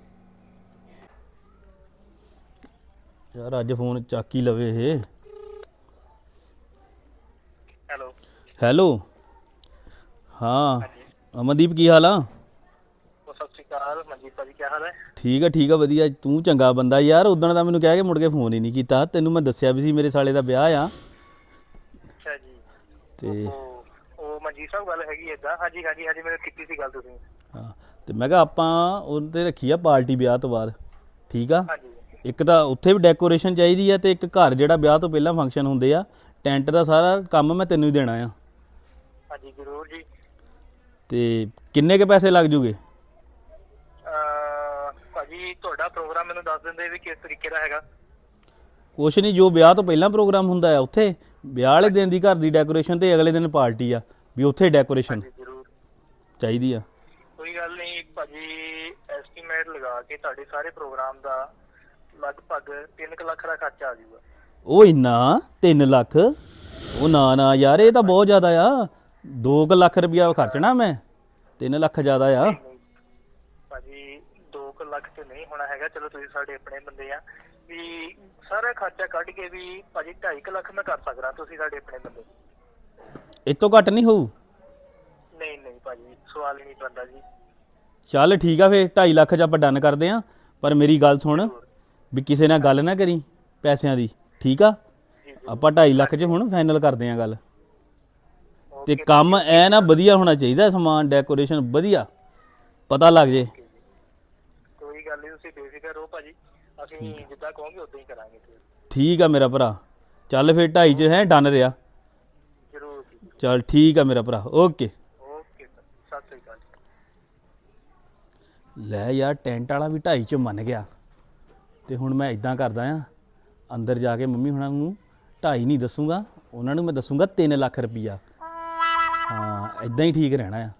Speaker 3: ਯਾਰ ਅੱਜ ਫੋਨ ਚੱਕ ਹੀ ਲਵੇ ਇਹ।
Speaker 7: ਹੈਲੋ
Speaker 3: ਹੈਲੋ ਹਾਂ ਅਮਨਦੀਪ ਕੀ ਹਾਲ ਆ?
Speaker 7: ਸਤਿ ਸ਼੍ਰੀ ਅਕਾਲ ਮਨਜੀਤ ਭਾਜੀ, ਕੀ ਹਾਲ ਹੈ?
Speaker 3: ਠੀਕ ਆ ਠੀਕ ਆ ਵਧੀਆ। ਤੂੰ ਚੰਗਾ ਬੰਦਾ ਯਾਰ, ਉਦਣ ਦਾ ਮੈਨੂੰ ਕਹਿ ਕੇ ਮੁੜ ਕੇ ਫੋਨ ਹੀ ਨਹੀਂ ਕੀਤਾ। ਤੈਨੂੰ ਮੈਂ ਦੱਸਿਆ ਵੀ ਸੀ ਮੇਰੇ ਸਾਲੇ ਦਾ ਵਿਆਹ ਆ।
Speaker 7: ਅੱਛਾ ਜੀ।
Speaker 3: ਤੇ
Speaker 7: ਉਹ ਉਹ ਮਨਜੀਤ ਸਾਹਿਬ ਗੱਲ ਹੈਗੀ ਏਦਾਂ। ਹਾਂਜੀ ਹਾਂਜੀ ਹਾਂਜੀ, ਮੈਨੂੰ ਕੀਤੀ ਸੀ ਗੱਲ ਤੁਸੀਂ।
Speaker 3: ਹਾਂ ਤੇ ਮੈਂ ਕਿਹਾ ਆਪਾਂ ਉਹ ਤੇ ਰੱਖੀ ਆ ਪਾਰਟੀ ਵਿਆਹ ਤੋਂ ਬਾਅਦ। ਠੀਕ ਆ,
Speaker 7: ਹਾਂਜੀ
Speaker 3: ਇੱਕ ਤਾਂ ਉੱਥੇ ਵੀ ਡੈਕੋਰੇਸ਼ਨ ਚਾਹੀਦੀ ਆ ਤੇ ਇੱਕ ਘਰ ਜਿਹੜਾ ਵਿਆਹ ਤੋਂ ਪਹਿਲਾਂ ਫੰਕਸ਼ਨ ਹੁੰਦੇ ਆ, ਟੈਂਟ ਦਾ ਸਾਰਾ ਕੰਮ ਮੈਂ ਤੈਨੂੰ ਹੀ ਦੇਣਾ ਆ।
Speaker 7: ਹਾਂਜੀ ਜ਼ਰੂਰ ਜੀ।
Speaker 3: ਤੇ ਕਿੰਨੇ ਕੇ ਪੈਸੇ ਲੱਗ ਜੂਗੇ?
Speaker 7: ਅਹ ਭਾਜੀ ਤੁਹਾਡਾ ਪ੍ਰੋਗਰਾਮ ਮੈਨੂੰ ਦੱਸ ਦਿੰਦੇ ਵੀ ਕਿਸ ਤਰੀਕੇ ਦਾ ਹੈਗਾ।
Speaker 3: ਕੁਛ ਨਹੀਂ, ਜੋ ਵਿਆਹ ਤੋਂ ਪਹਿਲਾਂ ਪ੍ਰੋਗਰਾਮ ਹੁੰਦਾ ਆ ਉੱਥੇ, ਵਿਆਹ ਵਾਲੇ ਦਿਨ ਦੀ ਘਰ ਦੀ ਡੈਕੋਰੇਸ਼ਨ ਤੇ ਅਗਲੇ ਦਿਨ ਪਾਰਟੀ ਆ, ਵੀ ਉੱਥੇ ਡੈਕੋਰੇਸ਼ਨ
Speaker 7: ਜੀ ਜ਼ਰੂਰ
Speaker 3: ਚਾਹੀਦੀ ਆ।
Speaker 7: ਕੋਈ ਗੱਲ ਨਹੀਂ ਭਾਜੀ, ਐਸਟੀਮੇਟ ਲਗਾ ਕੇ ਤੁਹਾਡੇ ਸਾਰੇ ਪ੍ਰੋਗਰਾਮ ਦਾ ਲਗਭਗ ਤਿੰਨ ਕੁ ਲੱਖ ਦਾ ਖਰਚਾ ਆ ਜਾਊਗਾ।
Speaker 3: ਉਹ ਇੰਨਾ ਤਿੰਨ ਲੱਖ? ਉਹ ਨਾ ਨਾ ਯਾਰ ਇਹ ਤਾਂ ਬਹੁਤ ਜ਼ਿਆਦਾ ਆ ਦੋ ਕੁ ਲੱਖ ਰੁਪਇਆ ਖਰਚਣਾ ਮੈਂ ਤਿੰਨ ਲੱਖ ਜ਼ਿਆਦਾ ਆ
Speaker 7: ਭਾਜੀ ਦੋ ਕੁ ਲੱਖ ਤੇ ਨਹੀਂ ਹੋਣਾ ਹੈਗਾ। ਚਲੋ ਤੁਸੀਂ ਸਾਡੇ ਆਪਣੇ ਬੰਦੇ ਆ ਵੀ ਸਾਰਾ ਖਰਚਾ ਕੱਢ ਕੇ ਵੀ ਭਾਜੀ ਢਾਈ ਕੁ ਲੱਖ ਮੈਂ ਕਰ ਸਕਦਾ। ਤੁਸੀਂ ਸਾਡੇ ਆਪਣੇ ਬੰਦੇ।
Speaker 3: ਇਹ ਤੋਂ ਘੱਟ ਨਹੀਂ ਹੋਊ?
Speaker 7: ਨਹੀਂ ਨਹੀਂ ਭਾਜੀ ਸਵਾਲ ਹੀ ਨਹੀਂ ਬਣਦਾ ਜੀ।
Speaker 3: ਚੱਲ ਠੀਕ ਆ ਫੇ ਢਾਈ ਲੱਖ ਚ ਆਪਾਂ ਡਨ ਕਰਦੇ ਆ। ਪਰ ਮੇਰੀ ਗੱਲ ਸੁਣ ਵੀ ਕਿਸੇ ਨਾਲ ਗੱਲ ਨਾ ਕਰੀ ਪੈਸਿਆਂ ਦੀ, ਠੀਕ ਆ? ਆਪਾਂ ਢਾਈ ਲੱਖ ਚ ਹੁਣ ਫਾਈਨਲ ਕਰਦੇ ਆ ਗੱਲ। ਤੇ ਕੰਮ ਐ ਨਾ ਵਧੀਆ ਹੋਣਾ ਚਾਹੀਦਾ, ਸਮਾਨ ਡੈਕੋਰੇਸ਼ਨ ਵਧੀਆ ਪਤਾ ਲੱਗ ਜੇ।
Speaker 7: ਕੋਈ ਗੱਲ ਨਹੀਂ, ਤੁਸੀਂ ਬੇਫਿਕਰ ਰਹੋ ਭਾਜੀ, ਅਸੀਂ ਜਿੱਦਾਂ ਕਹੋਗੇ ਉਦਾਂ ਹੀ ਕਰਾਂਗੇ।
Speaker 3: ਠੀਕ ਆ ਮੇਰਾ ਭਰਾ, ਚੱਲ ਫੇ ਢਾਈ ਚ ਹੈ ਡਨ ਰਿਹਾ।
Speaker 7: ਜ਼ਰੂਰ ਜੀ।
Speaker 3: ਚੱਲ ਠੀਕ ਆ ਮੇਰਾ ਭਰਾ, ਓਕੇ
Speaker 7: ਓਕੇ ਸਰ, ਸਤਿ ਸ੍ਰੀ ਅਕਾਲ।
Speaker 3: ਲੈ ਯਾਰ ਟੈਂਟ ਵਾਲਾ ਵੀ ਢਾਈ ਚ ਮੰਨ ਗਿਆ। ਤੇ ਹੁਣ ਮੈਂ ਇਦਾਂ ਕਰਦਾ ਆ, ਅੰਦਰ ਜਾ ਕੇ ਮੰਮੀ ਹੁਣਾਂ ਨੂੰ ਢਾਈ ਨਹੀਂ ਦੱਸੂਗਾ, ਉਹਨਾਂ ਨੂੰ ਮੈਂ ਦੱਸੂਗਾ ਤਿੰਨ ਲੱਖ ਰੁਪਈਆ। ਹਾਂ ਇਦਾਂ ਹੀ ਠੀਕ ਰਹਿਣਾ ਆ।